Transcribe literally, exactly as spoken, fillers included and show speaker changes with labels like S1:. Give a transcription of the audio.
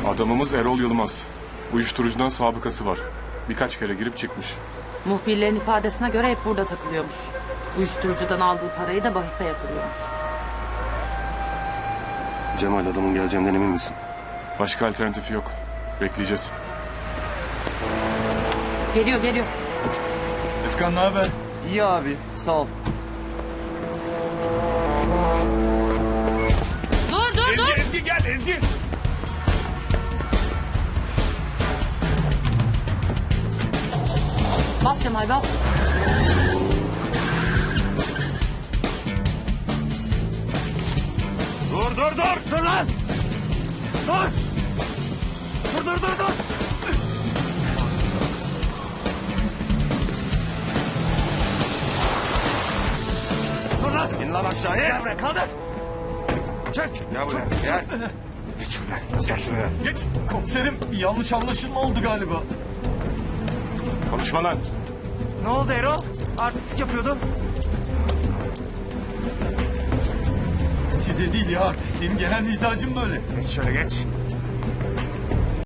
S1: Adamımız Erol Yılmaz. Uyuşturucudan sabıkası var. Birkaç kere girip çıkmış.
S2: Muhbirlerin ifadesine göre hep burada takılıyormuş. Uyuşturucudan aldığı parayı da bahise yatırıyormuş.
S3: Cemal, adamın geleceğinden emin misin?
S1: Başka alternatifi yok. Bekleyeceğiz.
S2: Geliyor geliyor.
S4: Efkan ne haber?
S5: İyi abi, sağ ol.
S2: Dur dur dur.
S4: Ezgi gel Ezgi.
S2: Bas Cemal bas.
S4: Dur dur dur dur lan. Dur. Dur dur dur dur. Dur lan. İn lan aşağıya. Gel buraya kaldır. Çek.
S3: Gel buraya, gel. Geç şuraya, gel şuraya.
S4: Geç. Komiserim bir yanlış anlaşılma oldu galiba.
S1: Konuşma lan.
S5: Ne oldu Erol? Artistik yapıyordun.
S4: Size değil ya artistliğim genel mizacım böyle.
S3: Geç şöyle, geç.